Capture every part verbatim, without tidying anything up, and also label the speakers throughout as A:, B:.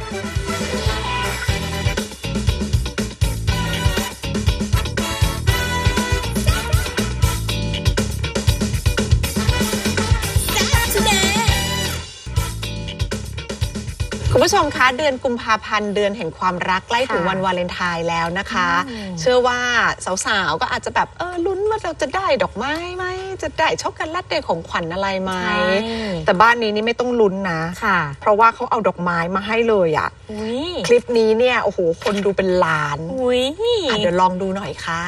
A: คุณผู้ชมคะเดือนกุมภาพันธ์เดือนแห่งความรักใกล้ถึงวันวาเลนไทน์แล้วนะคะเชื่อว่าสาวๆก็อาจจะแบบเออลุ้นว่าเราจะได้ดอกไม้ไหมจะได้ช็อกโกแลตได้ของขวัญอะไรไหมแต่บ้านนี้นี่ไม่ต้องลุ้นนะเพราะว่าเขาเอาดอกไม้มาให้เลยอ่ะคลิปนี้เนี่ยโอ้โหคนดูเป็นล้านเดี๋ยวลองดูหน่อยค่ะ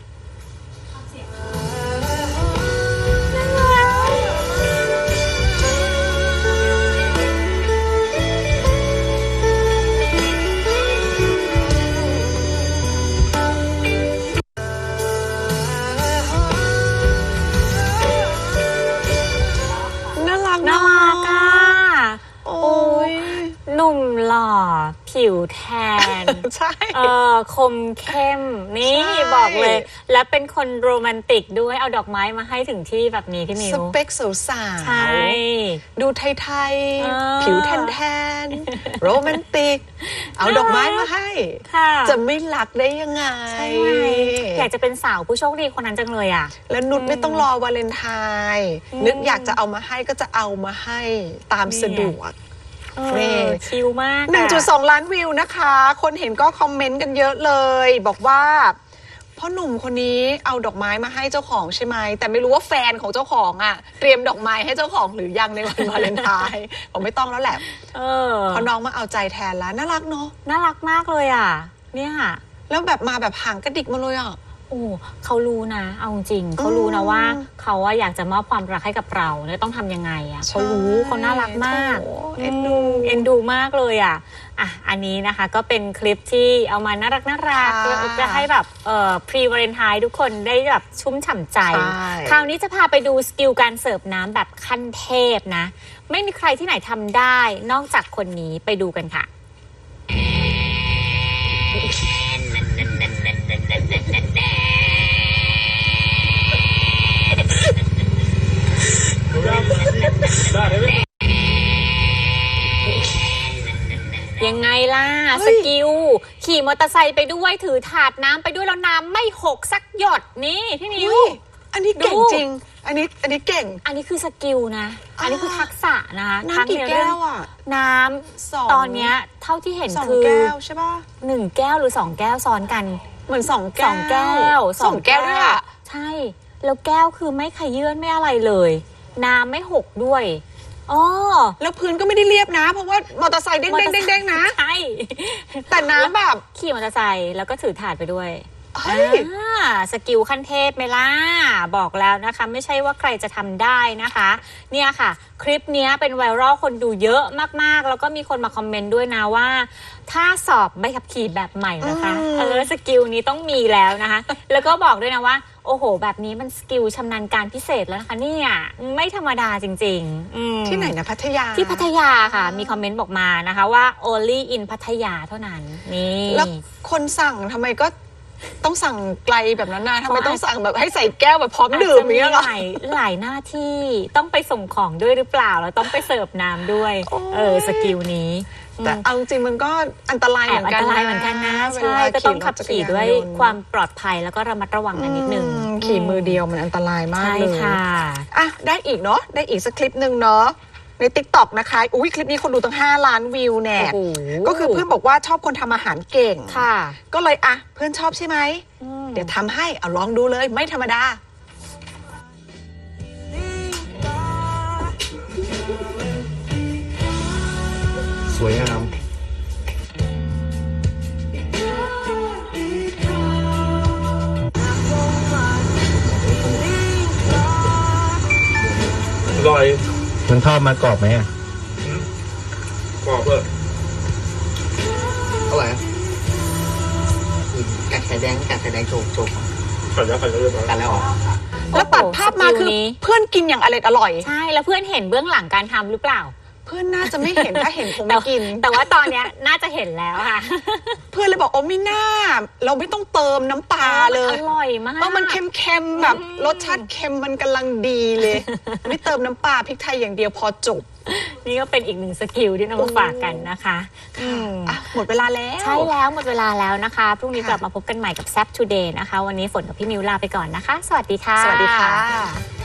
B: น่ารักอ่ะโอ้ยหนุ่มหล่อผิวแทน
A: ใช่
B: เออคมเข้มนี่บอกเลยและเป็นคนโรแมนติกด้วยเอาดอกไม้มาให้ถึงที่แบบนี้พี่มิว
A: สเปคสาวๆ
B: ใช่
A: ดูไทยๆผิวแทนๆโรแมนติกเอาดอกไม้มาให้จะไม่รักได้ยังไง
B: ใช่อยากจะเป็นสาวผู้โชคดีคนนั้นจังเลยอ่ะ
A: แล้วนุชไม่ต้องรอวาเลนไทน์นึกอยากจะเอามาให้ก็จะเอามาให้ตามสะดวก
B: นี่ชิลมาก
A: หนึ่งจุดสอง ล้านวิวนะคะคนเห็นก็คอมเมนต์กันเยอะเลยบอกว่าพ่อหนุ่มคนนี้เอาดอกไม้มาให้เจ้าของใช่ไหมแต่ไม่รู้ว่าแฟนของเจ้าของอ่ะเตรียมดอกไม้ให้เจ้าของหรือยังในวันวาเลนไทน์ผมไม่ต้องแล้วแหละเออเพราะน้องมาเอาใจแทนแล้วน่ารักเนาะ
B: น่ารักมากเลยอ่ะเนี่ย
A: แล้วแบบมาแบบห่างกระดิกมาเลยอ่ะ
B: โอ้เขารู้นะเอาจริงเขารู้นะว่าเขาว่าอยากจะมอบความรักให้กับเราเนี่ยต้องทำยังไงอ่ะเขารู้เขาน่ารักมาก
A: เอ็นดู
B: เอ็นดูมากเลยอ่ะอ่ะอันนี้นะคะก็เป็นคลิปที่เอามาน่ารักน่ารักจะให้แบบเอ่อพรีวาเลนไทน์ทุกคนได้แบบชุ่มฉ่ำใจคราวนี้จะพาไปดูสกิลการเสิร์ฟน้ำแบบขั้นเทพนะไม่มีใครที่ไหนทำได้นอกจากคนนี้ไปดูกันค่ะยังไงล่ะสกิลขี่มอเตอร์ไซค์ไปด้วยถือถาดน้ำไปด้วยแล้วน้ำไม่หกสักหยดนี่พี่มิว
A: อันนี้เก่งจริงอันนี้อันนี้เก่ง
B: อันนี้คือสกิลนะอันนี้คือทักษะนะคะ
A: น้ำกี่แก้วอ่ะ
B: น้ำตอนเนี้ยเท่าที่เห็นคือ
A: สองแก้วใช่ป่ะ
B: หนึ่งแก้วหรือสองแก้วซ้อนกัน
A: เหมือนสองแก้วสองแก้ว
B: สองแก้วด้วยอ่ะใช่แล้วแก้วคือไม่ขยื่นไม่อะไรเลยน้ำไม่หกด้วยอ๋อ
A: แล้วพื้นก็ไม่ได้เรียบนะเพราะว่ามอเตอร์ไซค์เด้งเด้งเด้งเด้งนะ
B: ใช่
A: แต่น้ำแบบ
B: ขี่มอเตอร์ไซค์แล้วก็ถือถาดไปด้วยสกิลขั้นเทพไหมล่ะบอกแล้วนะคะไม่ใช่ว่าใครจะทำได้นะคะเนี่ยค่ะคลิปนี้เป็นไวรัลคนดูเยอะมากๆแล้วก็มีคนมาคอมเมนต์ด้วยนะว่าถ้าสอบใบขับขี่แบบใหม่นะคะเออสกิลนี้ต้องมีแล้วนะคะแล้วก็บอกด้วยนะว่าโอ้โหแบบนี้มันสกิลชำนาญการพิเศษแล้วนะคะเนี่ยไม่ธรรมดาจริงๆ
A: ที่ไหนนะพัทยา
B: ที่พัทยาค่ะมีคอมเมนต์บอกมานะคะว่า only in พัทยาเท่านั้นนี่
A: แล้วคนสั่งทำไมก็ต้องสั่งไกลแบบนั้นนะทำไมต้องสั่งแบบให้ใส่แก้วแบบพร้อมดื่มอย่างเงี้ยหรอ
B: หลายหลายหน้าที่ต้องไปส่งของด้วยหรือเปล่าแล้วต้องไปเสิร์ฟน้ำด้วยเออสกิลนี้
A: แต่เอาจริงมันก็อันตรายเหมือนกัน
B: อันตรายเหมือนกันนะใช่ก็ต้องขับขี่ด้วยความปลอดภัยแล้วก็ระมัดระวังกันนิดนึง
A: ขี่มือเดียวมันอันตรายมากเลย
B: ใช่ค่ะ
A: อ่ะได้อีกเนาะได้อีกสักคลิปหนึ่งเนาะใน ติ๊กต็อก นะคะอุ้ยคลิปนี้คนดูตั้งห้าล้านวิวแน่ก็คือเพื่อนบอกว่าชอบคนทำอาหารเก่ง
B: ค่ะ
A: ก็เลยอ่ะเพื่อนชอบใช่ไหมเดี๋ยวทำให้เอาลองดูเลยไม่ธรรมดา
C: สวยงามอร่อยมันทอดมากรอบไหมอ่ะกรอบเพื่อ
D: อร่อยกัดไข่แดงกัดไข่แดงโชว์โชว์
C: กัดแล้วกัดแล้วเรียบร้อย
D: กัดแล้วเหรอ
A: แล้วตัดภาพมาคือเพื่อนกินอย่างอร่อยอร่อย
B: ใช่แล้วเพื่อนเห็นเบื้องหลังการทำหรือเปล่า
A: เพื่อนน่าจะไม่เห็นถ้าเห็นคงไม่กิน
B: แต่ว่าตอนนี้น่าจะเห็นแล้วค่ะ
A: เพื่อนเลยบอกโอ้ไม่น่าเราไม่ต้องเติมน้ำปลาเลย
B: อร่อยมาก
A: เพราะมันเค็มๆแบบรสชาติเค็มมันกำลังดีเลยไม่เติมน้ำปลาพริกไทยอย่างเดียวพอจบ
B: นี่ก็เป็นอีกหนึ่งสกิลที่นำมาฝากกันนะคะอืม
A: อ่ะหมดเวลาแล้ว
B: ใช่แล้วหมดเวลาแล้วนะคะพรุ่งนี้
A: ค่ะ
B: กลับมาพบกันใหม่กับแซ p Today นะคะวันนี้ฝนกับพี่มิวลาไปก่อนนะคะ สวัสดีค่ะ
A: สวัสดีค่ะ